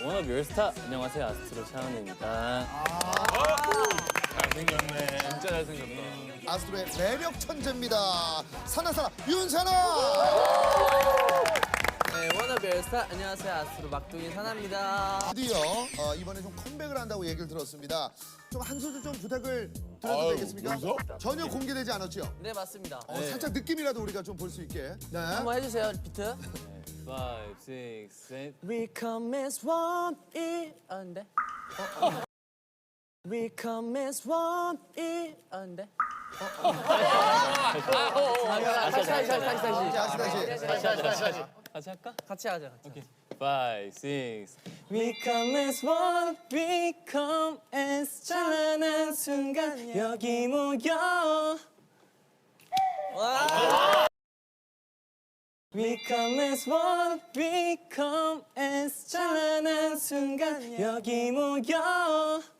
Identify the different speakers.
Speaker 1: 워너비 올스타. 안녕하세요, 아스트로 차은우입니다.
Speaker 2: 잘생겼네.
Speaker 1: 진짜 잘생겼다.
Speaker 3: 아스트로의 매력 천재입니다. 사나사나 윤사나.
Speaker 4: 네, 워너비 올스타. 안녕하세요, 아스트로 막둥이 사나입니다.
Speaker 3: 드디어 이번에 좀 컴백을 한다고 얘기를 들었습니다. 좀 한 소절 좀 부탁을 드려도 되겠습니까?
Speaker 2: 여기서?
Speaker 3: 전혀 공개되지 않았죠?
Speaker 4: 네, 맞습니다.
Speaker 3: 살짝 느낌이라도 우리가 좀 볼 수 있게. 네.
Speaker 4: 한번 해주세요, 비트.
Speaker 1: 5, 6, 7.
Speaker 4: We come as one, 이런데. We come as one, 이런데. 다시.
Speaker 3: 다시 다시.
Speaker 1: 같이 할까?
Speaker 4: 같이 하자.
Speaker 1: 오케이. 5, 6. We come as one, we come as 찬란한 순간 여기 모여. We come as one, we come as 찬란한 순간 여기 모여.